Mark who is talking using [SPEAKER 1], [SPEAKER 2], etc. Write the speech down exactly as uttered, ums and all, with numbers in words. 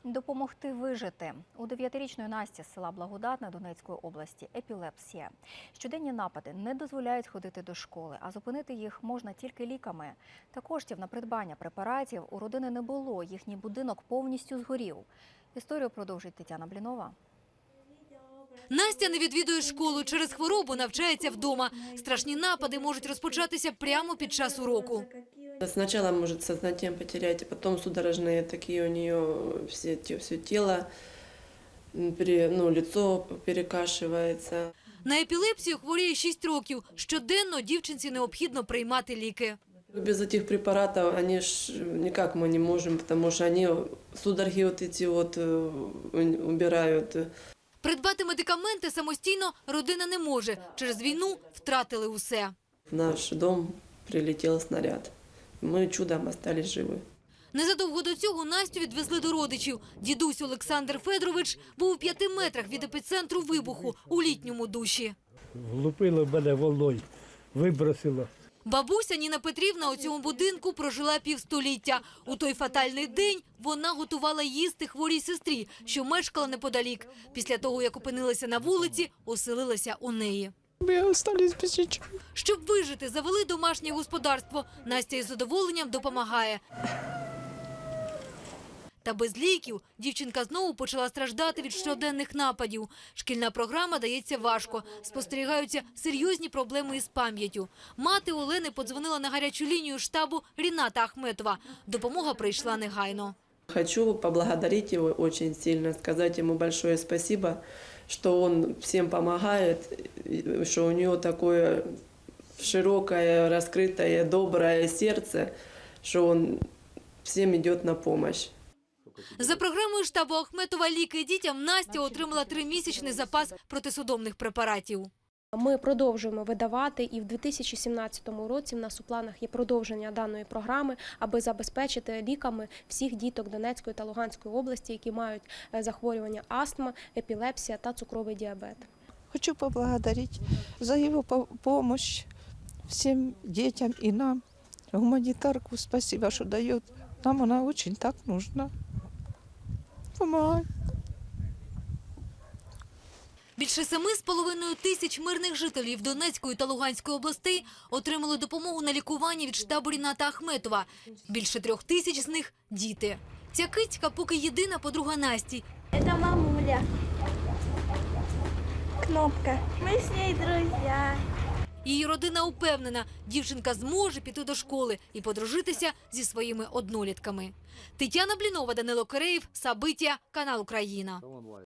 [SPEAKER 1] Допомогти вижити. У дев'ятирічної Насті з села Благодатне Донецької області епілепсія. Щоденні напади не дозволяють ходити до школи, а зупинити їх можна тільки ліками. Та коштів на придбання препаратів у родини не було, їхній будинок повністю згорів. Історію продовжить Тетяна Блінова.
[SPEAKER 2] Настя не відвідує школу, через хворобу навчається вдома. Страшні напади можуть розпочатися прямо під час уроку.
[SPEAKER 3] Сначала может сознание потерять, а потом судорожные такие у нее все, все тело, ну, лицо перекашивается.
[SPEAKER 2] На епілепсію хворіє шість років. Щоденно дівчинці необхідно приймати ліки.
[SPEAKER 3] Без этих препаратов они ж никак мы не можем, потому что они судороги вот эти вот убирают.
[SPEAKER 2] Придбати медикаменти самостійно родина не може. Через війну втратили усе.
[SPEAKER 3] В наш дом прилетел снаряд. Ми чудом остались живі.
[SPEAKER 2] Незадовго до цього Настю відвезли до родичів. Дідусь Олександр Федорович був у п'яти метрах від епіцентру вибуху у літньому душі.
[SPEAKER 4] Влупило мене волною, вибросило.
[SPEAKER 2] Бабуся Ніна Петрівна у цьому будинку прожила півстоліття. У той фатальний день вона готувала їсти хворій сестрі, що мешкала неподалік. Після того, як опинилася на вулиці, оселилася у неї.
[SPEAKER 5] Ми залишилися без нічого.
[SPEAKER 2] Щоб вижити, завели домашнє господарство. Настя із задоволенням допомагає. Та без ліків дівчинка знову почала страждати від щоденних нападів. Шкільна програма дається важко. Спостерігаються серйозні проблеми із пам'яттю. Мати Олени подзвонила на гарячу лінію штабу Ріната Ахметова. Допомога прийшла негайно.
[SPEAKER 3] Хочу поблагодарить его очень сильно, сказать ему большое спасибо, что он всем помогает, что у него такое широкое, раскрытое, доброе сердце, что он всем идет на помощь.
[SPEAKER 2] За програмою штабу Ахметова «Ліки дітям» Настя отримала тримісячний запас протисудомних препаратів.
[SPEAKER 6] Ми продовжуємо видавати, і в дві тисячі сімнадцятому році в нас у планах є продовження даної програми, аби забезпечити ліками всіх діток Донецької та Луганської області, які мають захворювання астма, епілепсія та цукровий діабет.
[SPEAKER 5] Хочу поблагодарить за его помощь всем детям и нам. Гуманитарку спасибо, что дает. Нам она очень так нужна. Помогай.
[SPEAKER 2] Більше семи з половиною тисяч мирних жителів Донецької та Луганської областей отримали допомогу на лікування від штабу Ріната Ахметова. Більше трьох тисяч з них – діти. Ця кицька поки єдина подруга Насті.
[SPEAKER 7] Це мамуля. Кнопка. Ми з нею друзі.
[SPEAKER 2] Її родина упевнена, дівчинка зможе піти до школи і подружитися зі своїми однолітками. Тетяна Блінова, Данило Киреєв, Сабиття, канал Україна.